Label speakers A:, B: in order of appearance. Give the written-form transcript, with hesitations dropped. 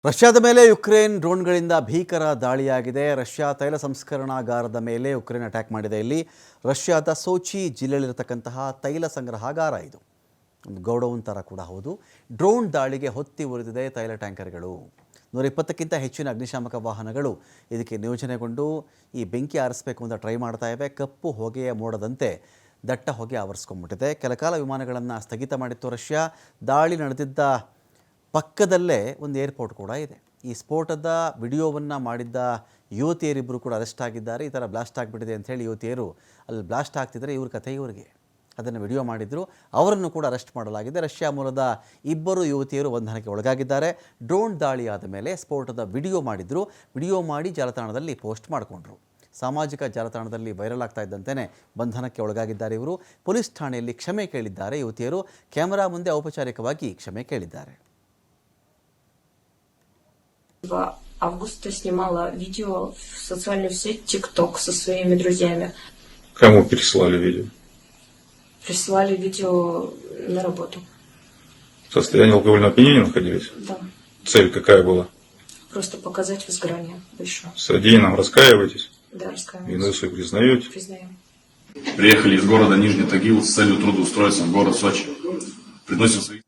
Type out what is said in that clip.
A: ರಷ್ಯಾದ ಮೇಲೆ ಯುಕ್ರೇನ್ ಡ್ರೋನ್ಗಳಿಂದ ಭೀಕರ ದಾಳಿಯಾಗಿದೆ. ರಷ್ಯಾ ತೈಲ ಸಂಸ್ಕರಣಾಗಾರದ ಮೇಲೆ ಯುಕ್ರೇನ್ ಅಟ್ಯಾಕ್ ಮಾಡಿದೆ. ಇಲ್ಲಿ ರಷ್ಯಾದ ಸೋಚಿ ಜಿಲ್ಲೆಯಲ್ಲಿರತಕ್ಕಂತಹ ತೈಲ ಸಂಗ್ರಹಾಗಾರ ಇದು. ಒಂದು ಗೌಡೌನ್ ಥರ ಕೂಡ ಹೌದು. ಡ್ರೋನ್ ದಾಳಿಗೆ ಹೊತ್ತಿ ಉರಿದಿದೆ ತೈಲ ಟ್ಯಾಂಕರ್ಗಳು. 120ಕ್ಕಿಂತ ಹೆಚ್ಚಿನ ಅಗ್ನಿಶಾಮಕ ವಾಹನಗಳು ಇದಕ್ಕೆ ನಿಯೋಜನೆಗೊಂಡು ಈ ಬೆಂಕಿ ಆರಿಸಬೇಕು ಅಂತ ಟ್ರೈ ಮಾಡ್ತಾ ಇವೆ. ಕಪ್ಪು ಹೊಗೆಯ ಮೋಡದಂತೆ ದಟ್ಟ ಹೊಗೆ ಆವರಿಸ್ಕೊಂಡ್ಬಿಟ್ಟಿದೆ. ಕೆಲಕಾಲ ವಿಮಾನಗಳನ್ನು ಸ್ಥಗಿತ ಮಾಡಿತ್ತು ರಷ್ಯಾ. ದಾಳಿ ನಡೆದಿದ್ದ ಪಕ್ಕದಲ್ಲೇ ಒಂದು ಏರ್ಪೋರ್ಟ್ ಕೂಡ ಇದೆ. ಈ ಸ್ಫೋಟದ ವಿಡಿಯೋವನ್ನು ಮಾಡಿದ್ದ ಯುವತಿಯರಿಬ್ಬರು ಕೂಡ ಅರೆಸ್ಟ್ ಆಗಿದ್ದಾರೆ. ಈ ಥರ ಬ್ಲಾಸ್ಟ್ ಆಗಿಬಿಟ್ಟಿದೆ ಅಂಥೇಳಿ ಯುವತಿಯರು ಅಲ್ಲಿ ಬ್ಲಾಸ್ಟ್ ಆಗ್ತಿದ್ರೆ ಇವ್ರ ಕಥೆ ಇವರಿಗೆ. ಅದನ್ನು ವಿಡಿಯೋ ಮಾಡಿದ್ರು, ಅವರನ್ನು ಕೂಡ ಅರೆಸ್ಟ್ ಮಾಡಲಾಗಿದೆ. ರಷ್ಯಾ ಮೂಲದ ಇಬ್ಬರು ಯುವತಿಯರು ಬಂಧನಕ್ಕೆ ಒಳಗಾಗಿದ್ದಾರೆ. ಡ್ರೋನ್ ದಾಳಿಯಾದ ಮೇಲೆ ಸ್ಫೋಟದ ವಿಡಿಯೋ ಮಾಡಿದ್ರು. ವಿಡಿಯೋ ಮಾಡಿ ಜಾಲತಾಣದಲ್ಲಿ ಪೋಸ್ಟ್ ಮಾಡಿಕೊಂಡ್ರು. ಸಾಮಾಜಿಕ ಜಾಲತಾಣದಲ್ಲಿ ವೈರಲ್ ಆಗ್ತಾ ಇದ್ದಂತೆಯೇ ಬಂಧನಕ್ಕೆ ಒಳಗಾಗಿದ್ದಾರೆ ಇವರು. ಪೊಲೀಸ್ ಠಾಣೆಯಲ್ಲಿ ಕ್ಷಮೆ ಕೇಳಿದ್ದಾರೆ ಯುವತಿಯರು. ಕ್ಯಾಮೆರಾ ಮುಂದೆ ಔಪಚಾರಿಕವಾಗಿ ಕ್ಷಮೆ ಕೇಳಿದ್ದಾರೆ.
B: Августа снимала видео в социальную сеть TikTok со своими друзьями.
C: Кому переслали видео?
B: Присылали видео на работу.
C: В состоянии алкогольного опьянения находились?
B: Да.
C: Цель какая была?
B: Просто показать возгорание большое.
C: В содеянном раскаиваетесь?
B: Да, раскаиваюсь.
C: Вину свою признаете?
B: Признаем.
D: Приехали из города Нижний Тагил с целью трудоустроиться в город Сочи. Приносим свои...